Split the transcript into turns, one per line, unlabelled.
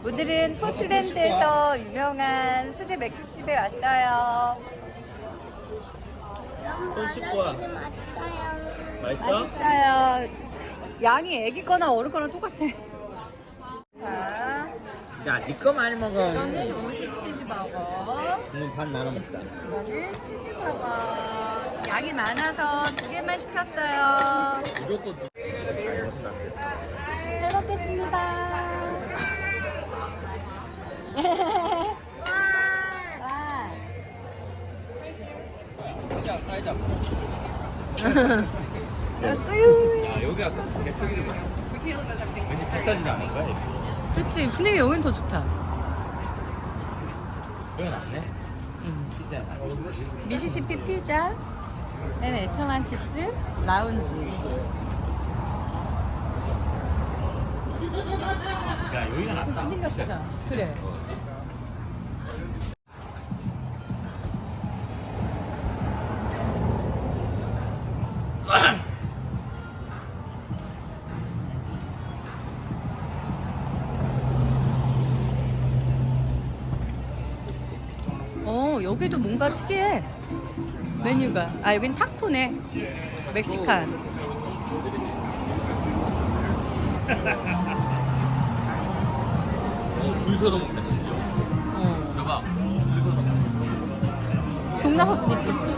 오늘은 포틀랜드에서 유명한 수제 맥주집에 왔어요.
손 씻고 와. 맛있어?
맛있어요. 양이 애기 거나 어른 거나 똑같아. 자,
야, 니 거 많이 먹어.
이거는 오지 치즈버거.
오늘 반 나눠 먹자.
이거는 치즈버거. 양이 많아서 2개만 시켰어요.
무조건 두
잘 먹겠습니다. 와.
야, 사이다.
아유.
야, 여기 와서 대표기를 먹어. 왠지 비싸지도 않을 거야, 이게.
그렇지, 분위기 여긴 더 좋다.
여기 낫네. 피자야.
미시시피 피자, 애틀란티스 라운지.
야, 여기가 낫다.
분위기가 좋다. 그래. 여기도 뭔가 특이해. 메뉴가. 아, 여긴 타코네. 멕시칸.
줄 서서 먹네, 심지어. 봐봐. 줄 서서 먹네.
동남아 분위기.